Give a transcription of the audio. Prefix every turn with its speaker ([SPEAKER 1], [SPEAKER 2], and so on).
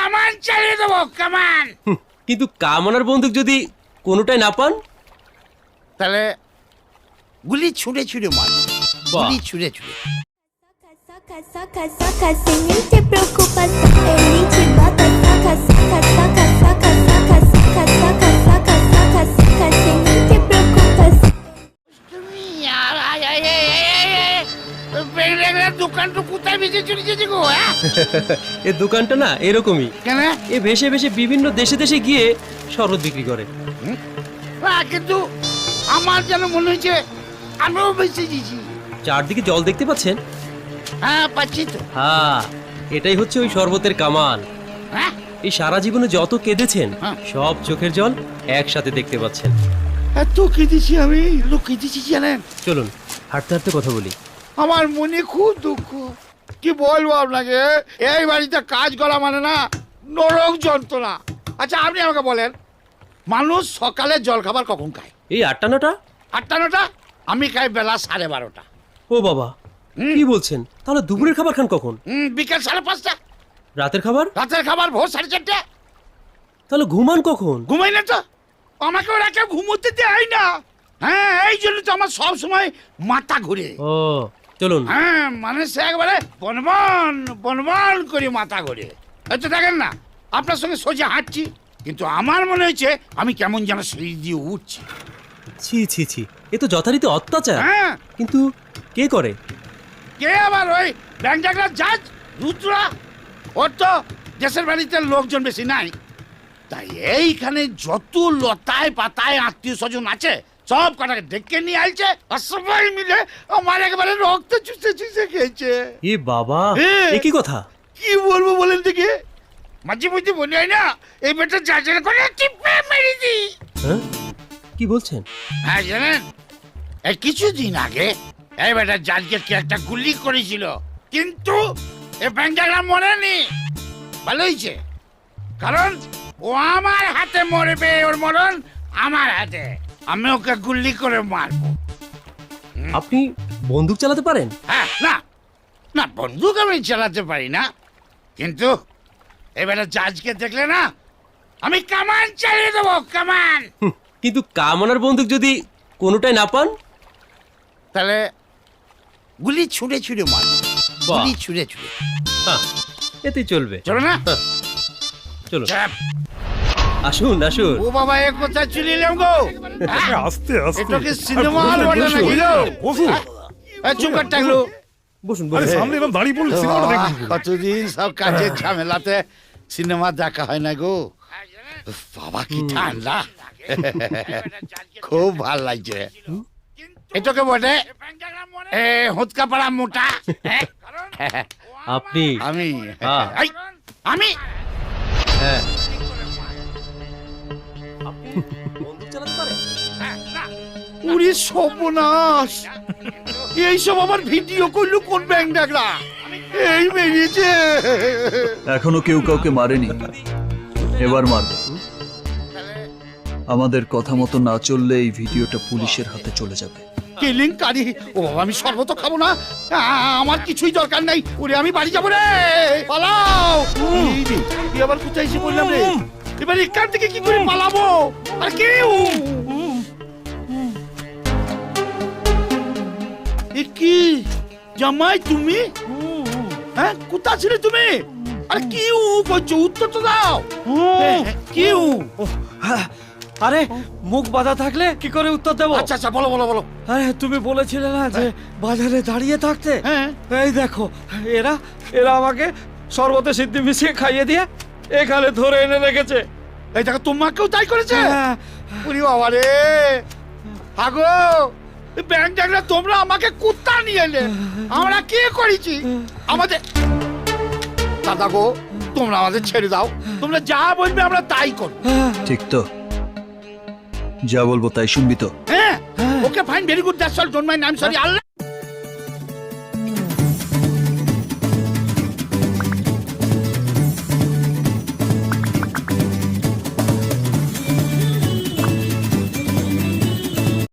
[SPEAKER 1] কামান চালিয়ে দেবো, কামান।
[SPEAKER 2] কিন্তু কামনার বন্দুক যদি কোনোটাই না পান,
[SPEAKER 1] তাহলে গুলি ছুঁড়ে ছুঁড়ে মার, গুলি ছুঁড়ে ছুঁড়ে।
[SPEAKER 3] Saca, saca, saca, sem nem ter preocupação. Ele te bota, saca, saca, saca, saca, saca, saca, saca, saca, saca, saca, sem nem ter preocupação.
[SPEAKER 1] তুমি দোকানটা কোথায় বেঁচে চলে গেছে গো?
[SPEAKER 2] এই দোকানটা না এরকমই,
[SPEAKER 1] কেন?
[SPEAKER 2] এ ভেসে ভেসে বিভিন্ন দেশে দেশে গিয়ে শরবত বিক্রি করে।
[SPEAKER 1] কিন্তু আমার যেন মনে হচ্ছে আমিও বেঁচে দিয়েছি।
[SPEAKER 2] চারদিকে জল দেখতে পাচ্ছেন?
[SPEAKER 1] হ্যাঁ, পাচ্ছি তো।
[SPEAKER 2] হ্যাঁ, এটাই হচ্ছে ওই শরবতের কামাল।
[SPEAKER 1] হ্যাঁ,
[SPEAKER 2] এই সারা জীবনে যত কেঁদেছেন
[SPEAKER 1] হ্যাঁ।
[SPEAKER 2] সব চোখের জল একসাথে দেখতে পাচ্ছেন।
[SPEAKER 1] এত কেঁদেছি আমি, লোক কেঁদেছি জানেন।
[SPEAKER 2] চলুন হাঁটতে হাঁটতে কথা বলি।
[SPEAKER 1] আমার মনে খুব দুঃখ, কি বলবো আপনাকে। এই বাড়িতে কাজ করা মানে না নরক যন্ত্রণা। আচ্ছা আপনি আমাকে বলেন, মানুষ সকালে জল খাবার কখন খায়?
[SPEAKER 2] এই 8টা 9টা?
[SPEAKER 1] 8টা 9টা? আমি খাই বেলা 12:30।
[SPEAKER 2] ও বাবা, কি বলছেন? তাহলে দুপুরের খাবার খান কখন?
[SPEAKER 1] বিকেল 5:30।
[SPEAKER 2] রাতের খাবার?
[SPEAKER 1] রাতের খাবার ভোর 4:30।
[SPEAKER 2] তাহলে ঘুমান কখন?
[SPEAKER 1] ঘুমাই না তো, আমাকে ওরা কেউ ঘুমোতে দেয় না। হ্যাঁ, এই জন্য তো আমার সব সময় মাথা ঘুরে।
[SPEAKER 2] ও চলুন।
[SPEAKER 1] হ্যাঁ, মানে সে একবারে বনবন বনবন করে মাথা ঘুরে। এই তো দেখেন না, আপনার সঙ্গে সোজা হাঁটছি, কিন্তু আমার মনে হচ্ছে আমি কেমন যেন সিঁড়ি দিয়ে উঠছি।
[SPEAKER 2] ছি ছি ছি, এ তো যথারীতি অত্যাচার।
[SPEAKER 1] হ্যাঁ,
[SPEAKER 2] কিন্তু কে করে?
[SPEAKER 1] কে আবার? ওই ব্যাংক ডাকলার জাজ রুদ্রা। ওর তো দেশের বাড়িতে লোকজন বেশি নাই, তাই এইখানে যত লতায় পাতায় আত্মীয় স্বজন আছে সব কটাকে ডেকে নিয়ে আইছে, আর সবাই মিলে আমার একেবারে রক্ত চুষে চুষে খেয়েছে।
[SPEAKER 2] এ বাবা, এ কি কথা?
[SPEAKER 1] কি বলবো বলেন দেখি, মাঝে মধ্যে মনে হয় না এই বেটা জাজের করে টিপে মেরে দি।
[SPEAKER 2] হ্যাঁ, কি বলছেন?
[SPEAKER 1] হ্যাঁ জানেন, এই কিছুদিন আগে এই বেটা জাজকে কি একটা গুলি করেছিল, কিন্তু এই ব্যাংকটা মরেনি। ভালো হয়েছে, কারণ ও আমার হাতে মরবে, ওর মরণ আমার হাতে। আমি ওকে গুলি করে মারবো।
[SPEAKER 2] আপনি বন্দুক চালাতে পারেন?
[SPEAKER 1] হ্যাঁ, না না, বন্দুক আমি চালাতে পারি না, কিন্তু এবারে জাজকে দেখলে না আমি কামান চালিয়ে দেবো, কামান।
[SPEAKER 2] কিন্তু কামনার বন্দুক যদি কোনোটাই না পান,
[SPEAKER 1] তাহলে গুলি ছুঁড়ে ছুঁড়ে মার, গুলি ছুঁড়ে ছুঁড়ে।
[SPEAKER 2] হ্যাঁ, এতেই চলবে।
[SPEAKER 1] চলো না,
[SPEAKER 2] হ্যাঁ, চলুন।
[SPEAKER 1] চাপ।
[SPEAKER 2] আসুন আসুন।
[SPEAKER 1] ও বাবা, এ কোথায় চলে এলাম গো?
[SPEAKER 4] আস্তে আস্তে।
[SPEAKER 1] এটা কি সিনেমা হল বলে নাকি গো?
[SPEAKER 4] বসুন।
[SPEAKER 1] চুপ করে থাকলো।
[SPEAKER 2] বসুন
[SPEAKER 4] আরে
[SPEAKER 2] বসুন।
[SPEAKER 4] সামনে এরকম দাঁড়িয়ে পড়লে সিনেমাটা দেখুন।
[SPEAKER 1] কতদিন সব কাজের ঝামেলাতে সিনেমা দেখা হয় না গো। উফ, বাবা কি ঠান্ডা, খুব ভাল লাগছে। এটাকে বটে হুৎকা পাড়া মোটা।
[SPEAKER 2] আপনি?
[SPEAKER 1] আমি
[SPEAKER 2] হ্যাঁ।
[SPEAKER 1] এই, আমি
[SPEAKER 2] হ্যাঁ। আপনি বন্দুক চালাতে পারেন?
[SPEAKER 1] উড়ি সর্বনাশ, এইসব আমার ভিডিও করলো কোন ব্যাংক ডাকলা? এই বেরিয়েছে।
[SPEAKER 5] এখনো কেউ কাউকে মারেনি, এবার মারবে। আমাদের কথা মতো না চললে এই ভিডিওটা পুলিশের হাতে চলে যাবে।
[SPEAKER 1] কেলেঙ্কারি। ও বাবা, আমি শরবত খাবো না, আমার কিছুই দরকার নাই। ওরে আমি বাড়ি যাবো রে, পালাও। এই রে, তুই আবার কোথায় এসে বললাম রে? এবার এখান থেকে কি করে পালাবো? আর কেউ কি জামাই তুমি? হ্যাঁ, কোথা ছিলে তুমি? আরে কি করছো? উত্তর তো দাও। কি?
[SPEAKER 6] আরে মুখ বাঁধা থাকলে কি করে উত্তর দেবো?
[SPEAKER 1] আচ্ছা আচ্ছা, বলো বলো বলো।
[SPEAKER 6] আরে তুমি বলেছিলে না যে বাজারে দাঁড়িয়ে থাকতে?
[SPEAKER 1] হ্যাঁ।
[SPEAKER 6] এই দেখো, এরা এরা আমাকে শরবতে সিদ্ধি মিশিয়ে খাইয়ে দিয়ে এখানে ধরে এনে রেখেছে।
[SPEAKER 1] এই দেখো, তোমাকেও তাই করেছে?
[SPEAKER 6] হ্যাঁ।
[SPEAKER 1] উরি বাবা রে, আগো ব্যাংক ডাকলে তোমরা আমাকে কুত্তা নিয়ে এলে, আমরা কি করেছি? আমাদের দাদা গো, তোমরা আমাদের ছেড়ে দাও, তোমরা যা বলবে আমরা তাই করব।
[SPEAKER 5] ঠিক তো? যা বলবো তাই শুনবি তো?
[SPEAKER 1] হ্যাঁ, okay fine, very good, that's all, don't mind, I am sorry. Allah